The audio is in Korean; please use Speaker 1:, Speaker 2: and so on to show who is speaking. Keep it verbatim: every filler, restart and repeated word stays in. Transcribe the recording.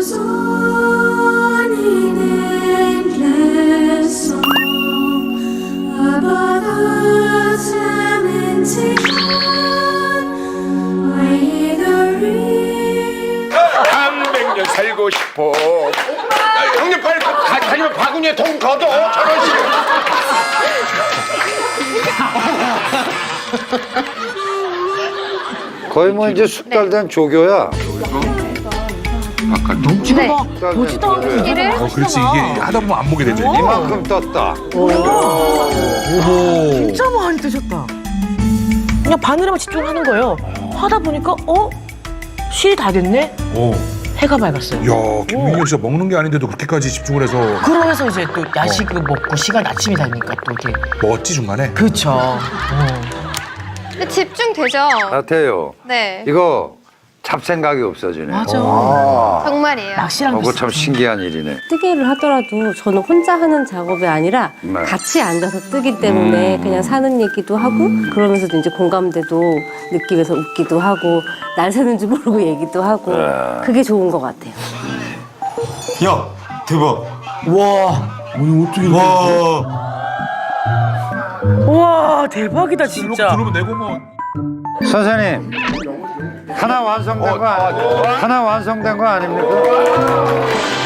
Speaker 1: goes on in endless song about Earth's lamentation. I hear the ring.
Speaker 2: 삼백 년 살고 싶어. 아, 형님 빨리 가, 가려면 바구니에 돈 걷어. 천 원씩.
Speaker 3: 거의 뭐 이제 숙달된 조교야.
Speaker 2: 아까
Speaker 4: 네.
Speaker 3: 보지도 않고
Speaker 4: 이를
Speaker 5: 어, 그렇지. 이게 하다 보면 안 보게 되죠. 이게.
Speaker 3: 이만큼 떴다.
Speaker 6: 진짜 많이 드셨다. 그냥 바늘에만 집중하는 거예요. 하다 보니까 어? 실이 다 됐네?
Speaker 5: 오.
Speaker 6: 해가 밝았어요.
Speaker 5: 야, 김민경 씨가 먹는 게 아닌데도 그렇게까지 집중을 해서
Speaker 6: 그러면서 이제 또 야식을 먹고 시간 아침이 되니까 또 이렇게
Speaker 5: 먹었지 중간에.
Speaker 6: 그렇죠. 어.
Speaker 4: 근데 집중되죠?
Speaker 3: 같아요.
Speaker 4: 네.
Speaker 3: 이거 잡생각이 없어지네.
Speaker 6: 맞아.
Speaker 4: 정말이에요.
Speaker 6: 낚시랑
Speaker 3: 어, 그거
Speaker 6: 비슷해.
Speaker 3: 참 신기한 일이네.
Speaker 7: 뜨개를 하더라도 저는 혼자 하는 작업이 아니라
Speaker 3: 네.
Speaker 7: 같이 앉아서 뜨기 때문에 그냥 사는 얘기도 하고 그러면서도 이제 공감대도 느끼면서 웃기도 하고 날 새는지 모르고 얘기도 하고 그게 좋은 것 같아요.
Speaker 8: 야, 대박.
Speaker 6: 와.
Speaker 5: 아니 어떻게
Speaker 8: 와.
Speaker 6: 와 대박이다 진짜.
Speaker 5: 들으면 내 공원.
Speaker 3: 선생님, 하나 완성된 거 아니, 하나 완성된 거 아닙니까?